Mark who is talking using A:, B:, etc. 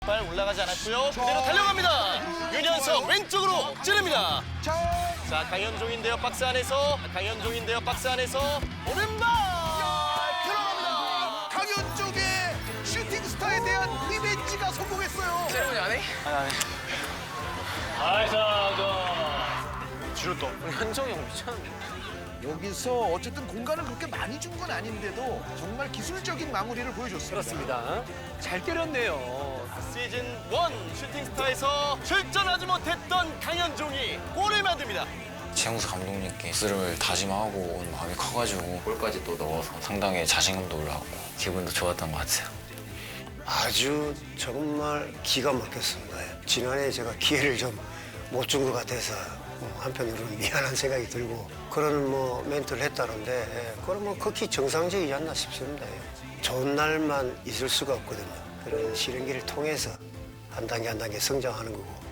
A: 발 올라가지 않았고요. 그대로 달려갑니다. 윤현석 왼쪽으로 찌릅니다. 자, 강현종인데요. 박스 안에서. 강현종인데요. 박스 안에서. 오른발!
B: 들어갑니다. 강현종의 슈팅 스타에 대한 리벤지가 성공했어요.
C: 세레모니 안 해?
A: 지루또.
C: 우리 현종이 형 미쳤는데.
B: 여기서 어쨌든 공간을 그렇게 많이 준 건 아닌데도 정말 기술적인 마무리를 보여줬습니다.
C: 그렇습니다. 잘 때렸네요.
A: 시즌 1 슈팅스타에서 출전하지 못했던 강현종이 골을 만듭니다.
D: 최영수 감독님께 스스로를 다짐하고 온 마음이 커가지고 골까지 또 넣어서 상당히 자신감도 올라왔고 기분도 좋았던 것 같아요.
E: 아주 정말 기가 막혔습니다. 지난해 제가 기회를 좀 못 준 것 같아서 한편으로는 미안한 생각이 들고 그런 멘트를 했다는데 그건 극히 정상적이지 않나 싶습니다. 좋은 날만 있을 수가 없거든요. 그런 시련기를 통해서 한 단계 한 단계 성장하는 거고